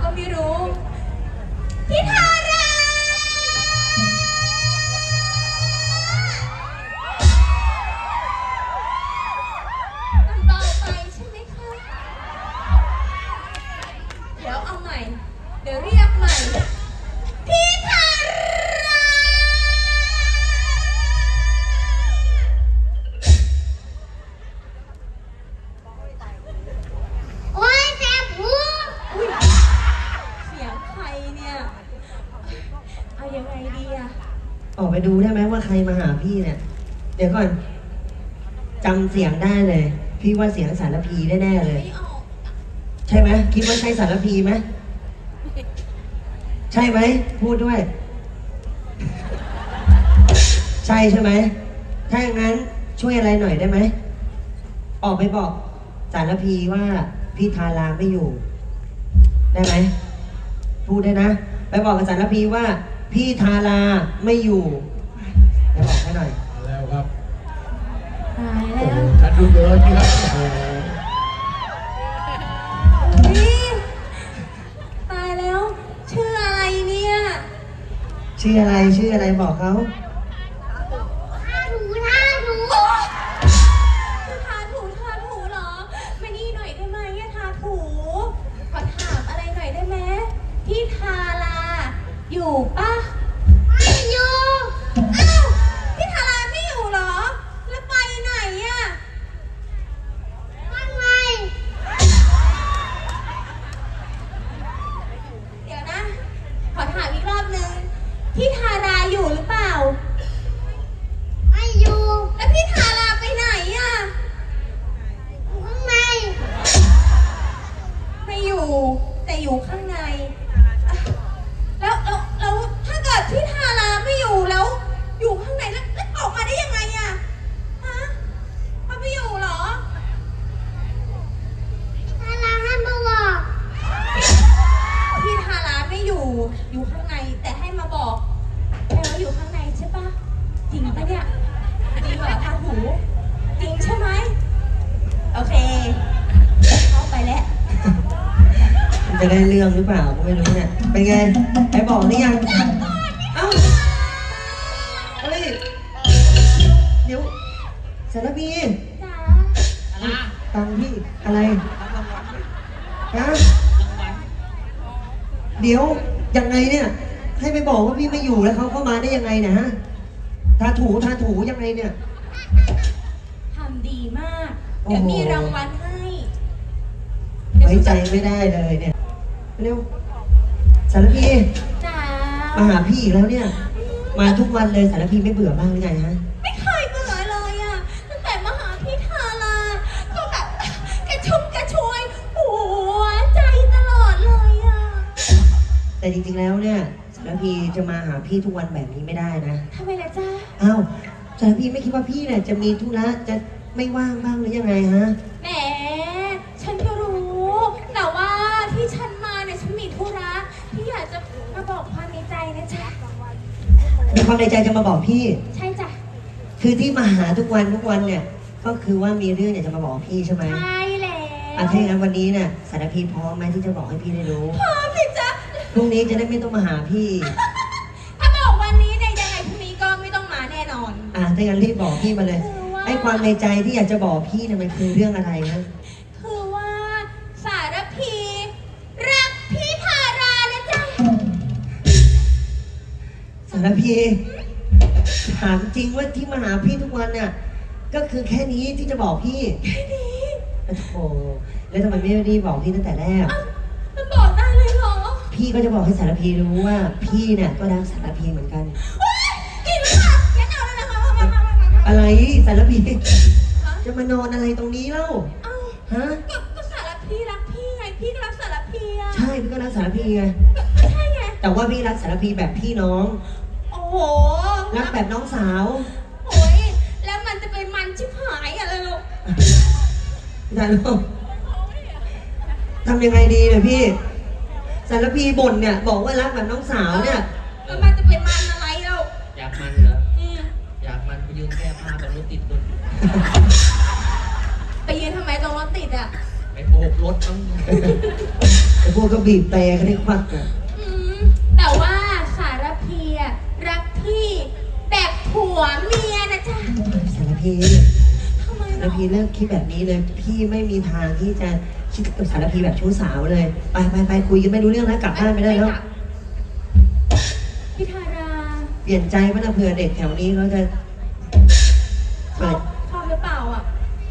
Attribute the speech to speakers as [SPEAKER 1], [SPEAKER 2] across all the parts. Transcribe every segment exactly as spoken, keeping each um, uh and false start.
[SPEAKER 1] ก็ไม่รู้พี่ทารามันเบาไปใช่ไหมคะเดี๋ยวเอาใหม่เดี๋ยวเรียกใหม่พี่ทาราโอ๊ยแสบหูอุ๊ยเสียงใครเนี่ยเอายังไงดีอะ
[SPEAKER 2] ออกไปดูได้ไหมว่าใครมาหาพี่เนี่ย เดี๋ยวก่อนจำเสียงได้เลย พี่ว่าเสียงสารพีแน่ๆเลย
[SPEAKER 1] ไม่ออก
[SPEAKER 2] ใช่ไหมคิดว่าใช่สารพีไหมใช่ไหมพูดด้วย ใช่ใช่ไหมถ้าอย่างนั้นช่วยอะไรหน่อยได้ไหมออกไปบอกสารพีว่าพี่ทาราไม่อยู่ ได้ไหมพูดได้นะ ไปบอกกับสารพีว่า พี่ทาราไม่อยู่ไปบอกให้หน่อย
[SPEAKER 3] มาแล้วครับ
[SPEAKER 1] ตาย
[SPEAKER 3] โอ้
[SPEAKER 1] แล้
[SPEAKER 3] โห
[SPEAKER 1] ว
[SPEAKER 3] ฉันดูเดินนี่ครับโอ้โห
[SPEAKER 1] นี่ตายแล้วชื่ออะไรเนี่ย
[SPEAKER 2] ชื่ออะไรชื่ออะไรบอกเขา
[SPEAKER 1] ทาถูทาถูทาถูทาถูเหรอมานี่หน่อยได้ไหมอะทาถูขอถามอะไรหน่อยได้ไหมพี่ทาราอยู่ปะไม่อยู่อ้าวพี่ทาราไม่อยู่เหรอแล้วไปไหนอะข้างในเดี๋ยวนะ ขอถามอีกรอบนึงพี่ทาราอยู่หรือเปล่าไม่อยู่แล้วพี่ทาราไปไหนอะอยู่ข้างในไม่อยู่แต่อยู่ข้างในอ่ะแล้วแล้วแล้วถ้าเกิดพี่ทาราไม่อยู่แล้ว อยู่ข้างในแล้วแล้วออกมาได้ยังไงอะฮะเขาไม่อยู่เหรอพี่ทาราให้มาบอกพี่ทาราไม่อยู่อยู่ข้างในแต่ให้มาบอกแปลว่าอยู่ข้างในใช่ปะจริงปะเนี่ยจริงเหรอทาหูจริงใช่ไหมโอเคเข้าไปแล้ว
[SPEAKER 2] มันจะได้เรื่องหรือเปล่าก็ไม่รู้เนี่ยเป็นไงไปบอกหรือยังเอ้าเฮ้ยเดี๋ยวสารพี
[SPEAKER 1] จ้า
[SPEAKER 2] ตังค์พี่อะไรฮะเดี๋ยวยังไงเนี่ย ให้ไปบอกว่าพี่ไม่อยู่แล้วเขาเข้ามาได้ยังไงเนะฮะทาถูทาถูยังไงเนี่ย
[SPEAKER 1] ทำดีมาก เดี๋ยวมีรางวัลให้
[SPEAKER 2] ไว้ใจไม่ได้เลยเนี่ยเร็วสารพี
[SPEAKER 1] จ้า
[SPEAKER 2] มาหาพี่อีกแล้วเนี่ย มาทุกวันเลยสารพีไม่เบื่อบ้างหรือไงฮะ
[SPEAKER 1] ไม่เคยเบื่อเลยอ่ะตั้งแต่มาหาพี่ทาราก็แบบกระชุ่มกระชวยหัวใจตลอดเลยอ่ะ
[SPEAKER 2] แต่จริงๆแล้วเนี่ยสารพีจะมาหาพี่ทุกวันแบบนี้ไม่ได้นะ
[SPEAKER 1] ทำไมล่ะจ้า
[SPEAKER 2] อ้าวสารพีไม่คิดว่าพี่เนี่ยจะมีธุระจะไม่ว่างบ้างหรือยังไงฮะ
[SPEAKER 1] แหมฉันก็รู้ แต่ว่าที่ฉันมาเนี่ยฉันมีธุระที่อยากจะมาบอกความในใจนะจ๊ะ
[SPEAKER 2] มีความในใจจะมาบอกพี่
[SPEAKER 1] ใช่จ้ะ
[SPEAKER 2] คือที่มาหาทุกวันทุกวันเนี่ย ก็คือว่ามีเรื่องอยากจะมาบอกพี่ใช่ไหม
[SPEAKER 1] ใช่แล้ว
[SPEAKER 2] อ่ะถ้าอย่างนั้นวันนี้เนี่ยสารพีพร้อมไหมที่จะบอกให้พี่ได้รู้
[SPEAKER 1] พร้อมสิจ๊ะ
[SPEAKER 2] พรุ่งนี้จะได้ไม่ต้องมาหาพี่
[SPEAKER 1] ถ้าบอกวันนี้เนี่ยยังไงพรุ่งนี้ก็ไม่ต้องมาแน่นอน
[SPEAKER 2] อ่ะถ้าอย่างนั้นรีบบอกพี่มาเลย
[SPEAKER 1] คือว่า
[SPEAKER 2] ไอ้ความในใจที่อยากจะบอกพี่เนี่ยมันคือเรื่องอะไรนะ
[SPEAKER 1] คือว่าสารพีรักพี่ทารานะจ๊ะ
[SPEAKER 2] สารพีถามจริงว่าที่มาหาพี่ทุกวันเนี่ยก็คือแค่นี้ที่จะบอกพี่
[SPEAKER 1] แค่นี้
[SPEAKER 2] โอ้โหแล้วทำไมไม่รีบบอกพี่ตั้งแต่แรก
[SPEAKER 1] เอ้ามันบอกได้เลยเหรอ
[SPEAKER 2] พี่ก็จะบอกให้สารพีรู้ว่าพี่เนี่ยก็รักสารพีเหมือนกัน
[SPEAKER 1] โอ๊ยกินแล้วค่ะงั้นเอาแล้วนะคะมามามามามา
[SPEAKER 2] อะไรสารพี
[SPEAKER 1] ฮะ
[SPEAKER 2] จะมานอนอะไรตรงนี้เล่า
[SPEAKER 1] เอ้า
[SPEAKER 2] ฮะ
[SPEAKER 1] ก็ก็สารพีรักพี่ไงพี่ก็รักสารพีอะ
[SPEAKER 2] ใช่พี่ก็รักสารพีไง
[SPEAKER 1] ใช่ไง
[SPEAKER 2] แต่ว่าพี่รักสารพีแบบพี่น้อง
[SPEAKER 1] โอ้โห
[SPEAKER 2] รักแบบน้องสาว
[SPEAKER 1] โอ้ยแล้วมันจะเป็นมันชิบหายอะไรลูก
[SPEAKER 2] นะลูกทำยังไงดีเนี่ยพี่สารพีบ่นเนี่ยบอกว่ารักแบบน้องสาวเนี่ย
[SPEAKER 1] แล้วมันจะเป็นมันอะไรเรา
[SPEAKER 4] อยากมันเหรอ
[SPEAKER 1] อืม
[SPEAKER 4] อยากมันไปยืนแก้ผ้าตรงรถติดตุน
[SPEAKER 1] ไปยืนทำไมตรงรถติดอ่ะ
[SPEAKER 2] ก
[SPEAKER 3] ไปโบกรถต้อง
[SPEAKER 2] ไอ้พวกก็บีบแต่กันได้ควักอ่ะ
[SPEAKER 1] อืมแต่ว่าสารพีอะรักพี่แบบผัวเมียนะจ๊ะ
[SPEAKER 2] สารพี
[SPEAKER 1] ทำไม
[SPEAKER 2] สาร
[SPEAKER 1] เนาะ
[SPEAKER 2] พีเลิกคิดแบบนี้เลย พี่ไม่มีทางที่จะคิดกับสารพีแบบชู้สาวเลย ไปไปไปคุยกันไม่รู้เรื่องแล้วกลับบ้านไปได้แล้ว
[SPEAKER 1] พี่ธารา
[SPEAKER 2] เปลี่ยนใจป่ะนะเผื่อเด็กแถวนี้เขาจะ
[SPEAKER 1] ชอ
[SPEAKER 2] เปิ
[SPEAKER 1] บ
[SPEAKER 2] ด
[SPEAKER 1] ชอบหรือเปล่าอ่ะ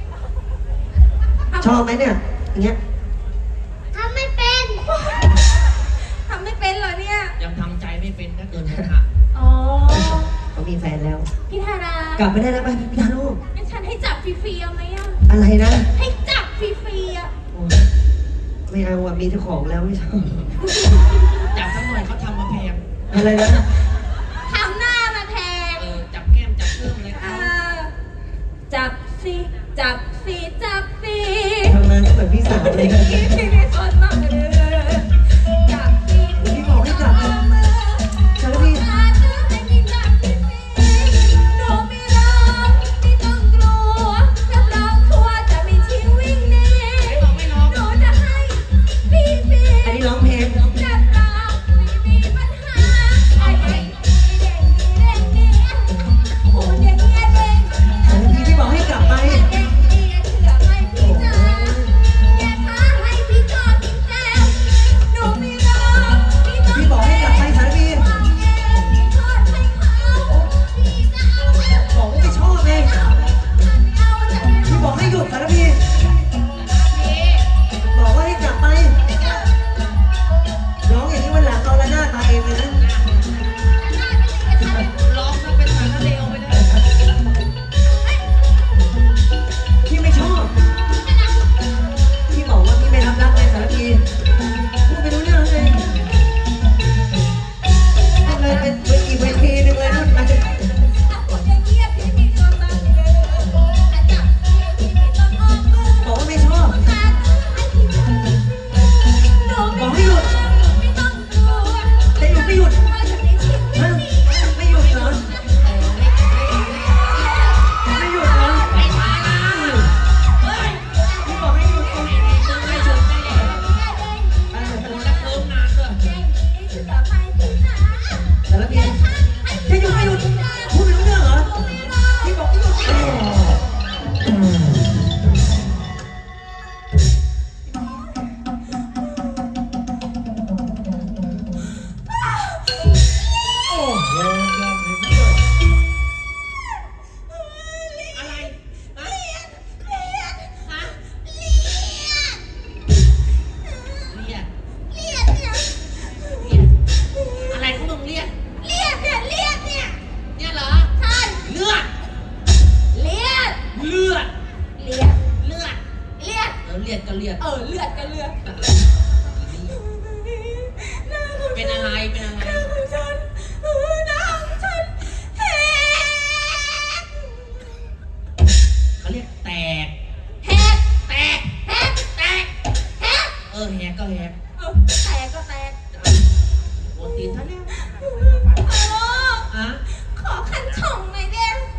[SPEAKER 2] ชอบไหมเนี่ย อย่างเงี้ย
[SPEAKER 1] ทำไม่เป็นทำไม่เป็นเหรอเนี่ย
[SPEAKER 3] ยังทำใจไม่เป็นถ้าเกินหักหัก
[SPEAKER 1] อ๋อ
[SPEAKER 2] เขามีแฟนแล้ว
[SPEAKER 1] พี่ธาราก
[SPEAKER 2] ลับไปได้แล้วไปพี่ทาลูก
[SPEAKER 1] งั้นฉันให้จับฟรีๆเอาไหมอ่ะ
[SPEAKER 2] อะไรนะ
[SPEAKER 1] ให้จับฟรีๆอ่ะ
[SPEAKER 2] โอ้ไม่เอาอ่ะมีเจ้าของแล้วไม่ชอบ
[SPEAKER 3] จับสักหน่อยเขาทำมาแพง
[SPEAKER 2] อะไรนะ
[SPEAKER 1] ทำหน้ามาแทง
[SPEAKER 3] เออจับแก้มจับเครื่องอะไร
[SPEAKER 1] เอ
[SPEAKER 3] เขา
[SPEAKER 1] อจับสิจับสิจับสิ
[SPEAKER 2] ทำงานก็เหมือนพี่สาวเลยนะ
[SPEAKER 1] พี่พี่นี่สนมากเลยจับสิ
[SPEAKER 2] พี่บอกให้จับเลยสารพี
[SPEAKER 1] จับสิให้พี่จับสิหนูไม่ร้องไม่ต้องกลัวรับรองทัวร์จะไม่ทิ้งวิ่งหนี
[SPEAKER 3] ไม่บอกไม่ร้อง
[SPEAKER 1] หนูจะให้พี่ฟรี
[SPEAKER 2] อันนี้ร้องเพลง
[SPEAKER 1] รับรองไม่มีปัญหาไอ้เด็กเด็กเด็กเด็กโอ้เด็กเด็กเด็ก
[SPEAKER 2] สารพีพี่บอกให้กลับไป
[SPEAKER 1] เด็กเด็กเชื่อไหมพี่จ๋าอย่าท้าให้พี่จอดทิ้งแล้วหนูไม่รอพี่ต้อง
[SPEAKER 2] พี่บอกให้กลับไปสารพี
[SPEAKER 1] เอาเองพี่ทอดให้เขาพี่จะเอาเอา
[SPEAKER 2] บอกว่าไม่ชอบเอง
[SPEAKER 1] เอาจะไม่
[SPEAKER 2] พี่บอกให้หยุดสารพีบอกว่าให้กลับไป ร้องอย่างนี้วันหลังเอาละหน้าตาเองเลยนะ
[SPEAKER 3] ร้องซะเป็นสารเลวไปเลย
[SPEAKER 2] พี่ไม่ชอบ พี่บอกว่าพี่ไม่รับรักเลยสารพีพูดไปรู้เรื่องเลยพูดเลยเป็นเป็นอีกเวทีหนึ่งเลยนู่นอาจจะ
[SPEAKER 1] เอาคนอย่างเงียบพี่มีตัวตนเลยถ้าจับพี่พี่ต้องออกมือ
[SPEAKER 2] บอกว่าไม่ชอบ
[SPEAKER 1] ขาดให้พี่จับหนูไม่
[SPEAKER 2] บอกให้หยุด
[SPEAKER 1] ไม่ต้องกลัว
[SPEAKER 2] จะหยุดไม่หยุด
[SPEAKER 1] ว่าจะไม่ชิด
[SPEAKER 2] ฮะไม่หยุดเหรอไม่หยุดเหรอ
[SPEAKER 3] ไอ้ทาราเฮ้ย
[SPEAKER 2] พี่บอกให้หยุด
[SPEAKER 3] ไอ้นี่มึงไม่หยุดได้ไงโดนแล้วเคิมนานด้วย
[SPEAKER 2] สารพีจะหยุดไม่หยุดพูดไปรู้เรื่องเหรอพี่บอกให้หยุด
[SPEAKER 3] อะไรฮะฮะเรียกเรียกอะไรของมึงเรียกเนี่ยเหรอเลือดเลือดเลือดเออเลือดก็เลือด
[SPEAKER 1] เออเลือดกันเลือด
[SPEAKER 3] เป็นอะไรเป็นอะไร
[SPEAKER 1] หน้าของฉันเออหน้าของฉันแหก
[SPEAKER 3] เขาเรียกแตก
[SPEAKER 1] แหก
[SPEAKER 3] แตก
[SPEAKER 1] แหกแตกแหก
[SPEAKER 3] เออแหกก็แหก
[SPEAKER 1] เออแตกก็แตก
[SPEAKER 3] โดนตีนท่านแล้ว
[SPEAKER 1] โอ้
[SPEAKER 3] อะ
[SPEAKER 1] ขอขันช่องหน่อยเด้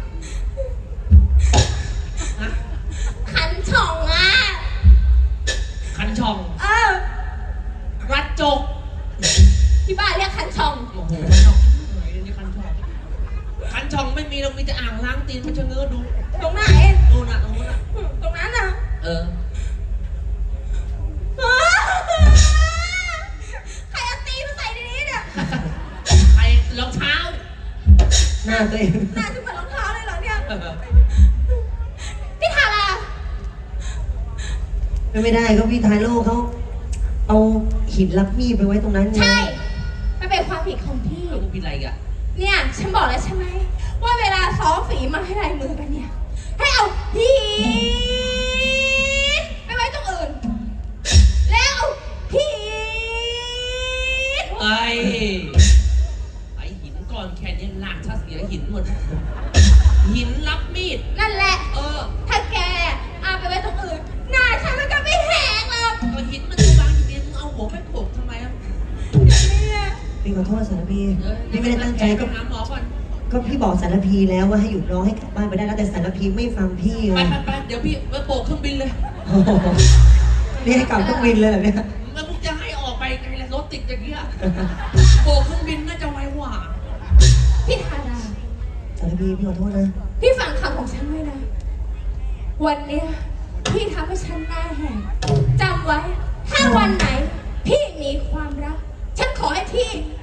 [SPEAKER 3] ฮะ
[SPEAKER 1] ขันช่องอ่ะ
[SPEAKER 3] คันช่อง
[SPEAKER 1] เออ
[SPEAKER 3] รัดจก
[SPEAKER 1] ที่บ้านเรียกขันช่อง
[SPEAKER 3] โอ้โหคันช่องไหนนี่คันช่องคันช่องไม่มีเรามีแต่อ่างล้างตีนมันชะเง้อดู
[SPEAKER 1] ตรงไหน
[SPEAKER 3] ดูน่ะตรงนู้นน่ะ
[SPEAKER 1] ตรงนั้นน่ะ
[SPEAKER 3] เออ
[SPEAKER 1] ใครเอาตีนมาใส่ในนี้เนี่ย
[SPEAKER 3] ใครรองเท้า
[SPEAKER 2] หน้าตัวเอง
[SPEAKER 1] น่าจะเหมือนรองเท้าเลยเหรอเนี่ย
[SPEAKER 3] เออ
[SPEAKER 1] พี่ทารา
[SPEAKER 2] ไม่ได้ก็พี่ทายโลกเขาเอาหินรับมีดไปไว้ตรงนั้นไง
[SPEAKER 1] ใช่มันเป็นความผิดของพี่
[SPEAKER 3] แล้วกูผิดอะไรอีกอ่ะ
[SPEAKER 1] เนี่ยฉันบอกแล้วใช่ไหมว่าเวลาซ้อมฝีมาให้ลายมือกันเนี่ย ให้เอาหินไปไว้ตรงอื่น แล้วเอาหิน
[SPEAKER 3] ไอ้ไอ้หินก้อนแค่นี้ลากถ้าเสียหินหมด หินรับมีด
[SPEAKER 1] นั่นแหละ
[SPEAKER 3] เออ
[SPEAKER 1] ถ้าแกเอาไปไว้ตรงอื่นหน้าฉันมันก็ไม่แหกหรอก
[SPEAKER 3] ก็หินมันจะบางอยู่ดีมึงเอาหัวไปโขกทำไมอ่ะ
[SPEAKER 1] เนี่ย
[SPEAKER 2] พี่ขอโทษสารพี
[SPEAKER 3] เออ
[SPEAKER 2] พี่ไม่ได้ตั้งใจก็
[SPEAKER 3] ไปหาหมอก่อน
[SPEAKER 2] ก็พี่บอกสารพีแล้วว่าให้หยุดร้องให้กลับบ้านไปได้แล้วแต่สารพีไม่ฟังพี่
[SPEAKER 3] ไป
[SPEAKER 2] ไง
[SPEAKER 3] ไปไปเดี๋ยวพี่ไปโบกเครื่องบินเลย
[SPEAKER 2] โอ้โห
[SPEAKER 3] ไ
[SPEAKER 2] นี่ให้กลับเครื่องบินเลยเหรอเนี่ย
[SPEAKER 3] แล้วมึงจะให้ออกไปไงล่ะรถติดอย่างเงี้ยโบกเครื่องบินน่าจะไวกว่า
[SPEAKER 1] พี่ทารา
[SPEAKER 2] สารพีพี่ขอโทษนะ
[SPEAKER 1] พี่ฟังคำของฉันไว้นะ วันเนี้ยพี่ทำให้ฉันหน้าแหกจำไว้ ถ้าวันไหน พี่มีความรัก ฉันขอให้พี่